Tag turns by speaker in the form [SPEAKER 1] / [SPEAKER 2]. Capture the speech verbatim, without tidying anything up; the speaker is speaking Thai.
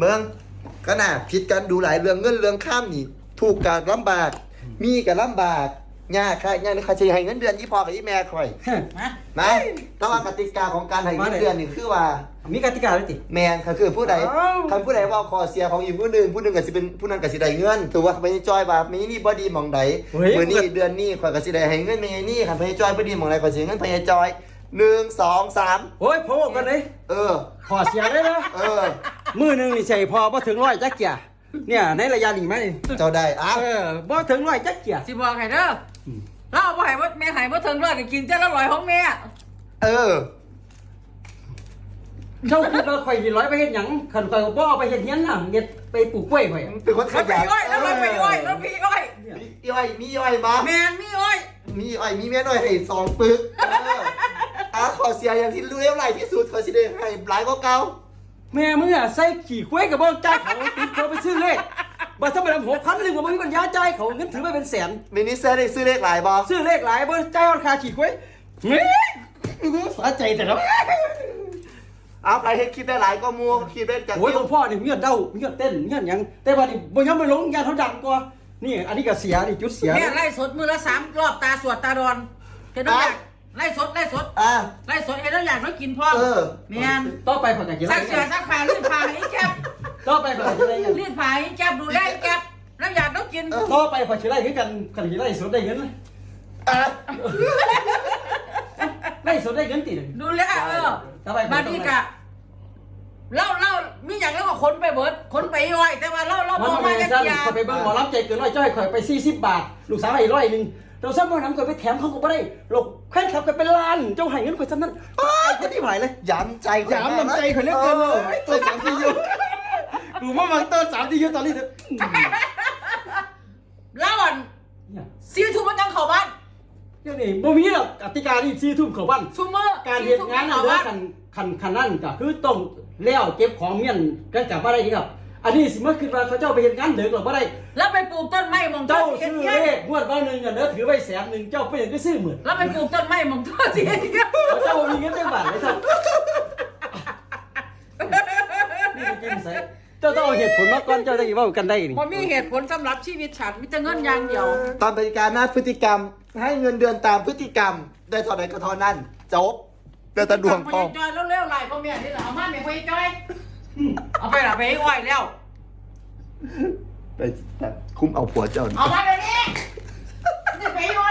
[SPEAKER 1] เมืองก็น่าผิดกันดูหลายเรื่องเงินเรื่องข้ามนี่ถูกการลำบากมีกับลำบากยากค่ะยากนี่ค่ะจะให้เงินเดือนยี่พอกับยี่แม่คอย
[SPEAKER 2] มา
[SPEAKER 1] นะแต่ว่ากติกาของการให้เงินเดือนนี่คือว่า
[SPEAKER 2] มีกติกาด้วยติ
[SPEAKER 1] แมนค่ะคือผู้ใด
[SPEAKER 2] อ้าว
[SPEAKER 1] คันผู้ใดว่าคอเสียของอีกผู้หนึ่งผู้หนึ่งก็สิเป็นผู้นั้นก็สิได้เงินถือว่าไม่จอยว่าไม่นี่บ่ดีหมองใด
[SPEAKER 2] เฮ้ย
[SPEAKER 1] มื้อนี้เดือนนี้ข่อยก็สิได้ให้เงินไม่นี่คันพญจอยบ่ดีหมองใดข่อยสิให้เงินพญจอยหนึ่ง สอง สาม
[SPEAKER 2] โอ้ยพอกันเลย
[SPEAKER 1] เออ
[SPEAKER 2] ขอเสียได้นะ
[SPEAKER 1] เออ
[SPEAKER 2] มือหนึงนี่ใส่พอบ่ถึงร้อยจักเกียเนี่ยในระยะนี้ไหม
[SPEAKER 1] เจ้าได้อ่ะ
[SPEAKER 2] เออบ่ถึงร้อยจักเกีย
[SPEAKER 3] สิบอกให้เด้อเราบ่ให้ว่าแม่ให้บ่ถึงร้อยก็กินเจ้าละร้อยของแม่
[SPEAKER 1] เออ
[SPEAKER 2] เจ้าคิดว่าข่อยสิร้อยไปเฮ็ดหยังคันข่อยบ่เอาไปเฮ็ดเฮียนน่ะเฮ็ดไปปลูกกล้วยข่อย
[SPEAKER 1] เป็นคนข
[SPEAKER 3] แล้วไป
[SPEAKER 1] ยัน
[SPEAKER 3] อ้อยแล้วไปไปอ้อยแล้วพี่อ้อย
[SPEAKER 1] มีอ้อยมีอ้อยมา
[SPEAKER 3] แมนมีอ้อย
[SPEAKER 1] มีอ้อยมีแม่น้อยให้สองปึกเอออ่ะขอเสียอย่างที่รู้เท่าไหร่ที่สุดข่อยสิได้ให้หลายกว่าเก่า
[SPEAKER 2] แม่มึงอ่ะใส่ขี้กล้วยกับบ่จ่ายเขาติดเขาไปซื้อเลขบ่สมัยหกพันนึงก็บ่มีปัญญาจ่ายเขาเงินถือไปเป็นแสน
[SPEAKER 1] มินิเซอร์ได้ซื้อเลขหลายบ่
[SPEAKER 2] ซื้อเลขหลายบ่จ่ายราคาขี้กล้วยเฮ้ยสะใจแต่ละ
[SPEAKER 1] เอาไปให้คิดได้หลายก็มัวคิดได้จาก
[SPEAKER 2] โอ้ยหลวงพ่อนี่มีเงินเด้ามีเงินเต้นมีเงินหยังแต่ว่านี่บ่ยอมไปลงยานเขาดังกว่านี่อันนี้ก็เสียนี่จุดเสีย
[SPEAKER 3] แม่ไล่สดมือละสามรอบตาสวดตาดอนเห็นน้ำอยากไล่สดไล่สด
[SPEAKER 1] อ่ะ
[SPEAKER 3] ไล่สดเห็นน้ำอยากน้อยกินพ่อ
[SPEAKER 1] เออ
[SPEAKER 3] แมน
[SPEAKER 2] ต่อไปเขาจะกินอะ
[SPEAKER 3] ซั
[SPEAKER 2] ไร
[SPEAKER 3] กเสือซักผ้ารีดผ้าให้แก๊บ
[SPEAKER 2] ต่อไปเขาจะกินอะไรกัน
[SPEAKER 3] รีดผ้าให้แก๊บดูแลแก๊บน้ำอยากต้องกิน
[SPEAKER 2] ต่อไปเขาสิไล่คือกันคันสิไล่สดได้เงินไหม
[SPEAKER 1] อ่ะ
[SPEAKER 2] ไล่สดได้เงินติ
[SPEAKER 3] ดูแลเออ
[SPEAKER 2] ต่อไป
[SPEAKER 3] มาดีกะเล่าเล่ามีอย่างแล้วก็ขนไปเบิดขนไปอ้อยแต่ว่าเล่าเล่า
[SPEAKER 2] มัน
[SPEAKER 3] บอก
[SPEAKER 2] ทำไม
[SPEAKER 3] มา
[SPEAKER 2] ซั่น
[SPEAKER 3] แค่ยา
[SPEAKER 2] เขาไปเบิ่งหมอลำใจเกินร้อยจ้อยข่อยไปสี่สิบบาทลูกสาวให้ร้อยหนึงเราซ้ำบ่นำข่อยไปแถมเขาก็บ่ได้โลกแค่ขับกันเป็นล้านเจ้าให้เงินข่อยซ้ำนั้นตายคนที่หายเลย
[SPEAKER 1] ย้ำใจ
[SPEAKER 2] ยามน้ำใจเขาเรียกเกินเลยตัวสามที่อยู่ดูมาบางตัวสามที่อยู่ตอนนี้เถอะ
[SPEAKER 3] เล่าอ่อนซีทูมันยังเข้าบ้าน
[SPEAKER 2] เดี๋ยวนี้บ่มีหรอกกติกาที่สี่ทุ่มเข้าบ้าน
[SPEAKER 3] ซูเมอร์
[SPEAKER 2] การเฮ็ดงาน
[SPEAKER 3] เข้า
[SPEAKER 2] เด้อ
[SPEAKER 3] บ้าน
[SPEAKER 2] คันคันคันนั่นก็คือต้องแล้วเก็บของเมียนกันกลับมาได้ครับ อันนี้สิมาคิดว่าเขาเจ้าไปเฮ็ดงานเด็กหรอบ่ได้
[SPEAKER 3] แล้วไปปลูกต้นไม้มอง
[SPEAKER 2] เจ้า
[SPEAKER 3] เทีย
[SPEAKER 2] ซื้อ
[SPEAKER 3] เทีย
[SPEAKER 2] เลขงวดว่าหนึงอ่ะเด้อถือไว้แสนหนึงเจ้าไปเฮ็ดก็ซื้อหมื่น
[SPEAKER 3] แล้วไปปลูกต้นไม้มองทั่วเทียเทีย
[SPEAKER 2] เจ้าบ่มีเงินจักบาทเลยครับนี่จริงๆใส่เจ้าต้องเอาเหตุผลมาก่อนเจ้าจะสิเว้ากันได้นี่
[SPEAKER 3] มันมีเหตุผลสำหรับชีวิตฉันมีแต่เงินอย่างเดียว
[SPEAKER 1] ตามปฏิการหน้าพฤติกรรม ให้เงินเดือนตามพฤติกรรม ได้เท่าไหร่ก็เท่านั้นจบเดือนตะดวงพ
[SPEAKER 3] พ
[SPEAKER 1] อ
[SPEAKER 3] อจอยเร็วๆไล่พ่อแม่นี่แหละเอามาแม่พอจอยเอาไปละไปให้อ้อยแล้ว
[SPEAKER 1] ไปคุ้มเอาผัวเจ้า
[SPEAKER 3] เอามาเดี๋ยวนี้จะไปอ้อย